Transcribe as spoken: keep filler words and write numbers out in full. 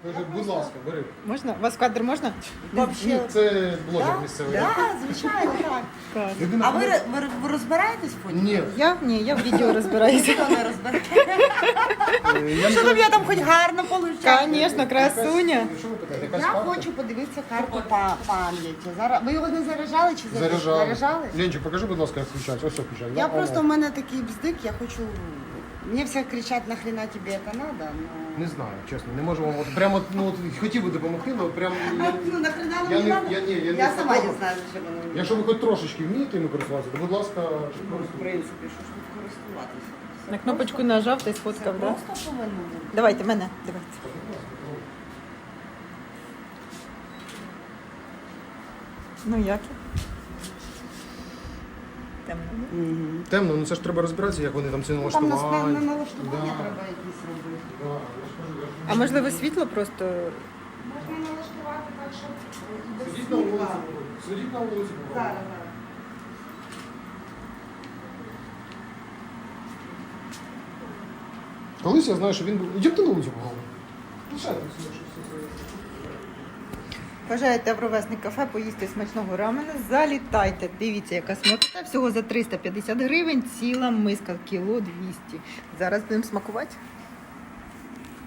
Каже, будь ласка, бери. Можна? Вас в кадр можна? Ні, це блогер місцевий. Так, звичайно, так. Так. Людина А ви, ви, ви розбираєтесь потім? Ні. Я? Ні, я в відео розбираюся. Ніхто не розбирає. Е, я Що не там я там хоч гарно получаю? Звісно, красуня. Що ви питаєте? Якась Я карта? хочу подивитися карту па- пам'яті. Зараз ви його не заряджали чи заряджали? Заряджали. Заряджали? Ленчик, покажи, будь ласка, як включається. Ось все включається. Я да? просто, О, у мене такий бздик, я хочу... Мені всі кричать, нахрена тобі це надо, но... Не знаю, чесно, не можу вам. От прямо, ну, от, хотів би допомогти, але прям... Я, Ну, нахрена я мені не- надо? я- ні, я не Я сама не такого. знаю, що воно мені. якщо ви хоч трошечки вмієте ними користуватися, то, будь ласка, В принципі, що ж тут користуватися? На кнопочку нажав та й сфоткав, Це так? Да? просто повинно бути. Давайте, мене, давайте. Ну як? Темно. Мгм. темно, ну це ж треба розбиратися, як вони там це Там нас певне налаштування. налаштування Да. треба якісь робити. Да, я ж кажу, я ж- А можливо світло просто. Можна налаштувати так, щоб і без Сидіть на вулиці, світла. сидіть на вулиці. Зараз, зараз. Колись я знаю, що він був. Ідемте на вулицю поговоримо. Лишайте все, що все це. Бажаєте в ровесник кафе поїсти смачного рамена, залітайте. Дивіться, яка смакота. Всього за триста п'ятдесят гривень, ціла миска, кіло двісті. Зараз будемо смакувати.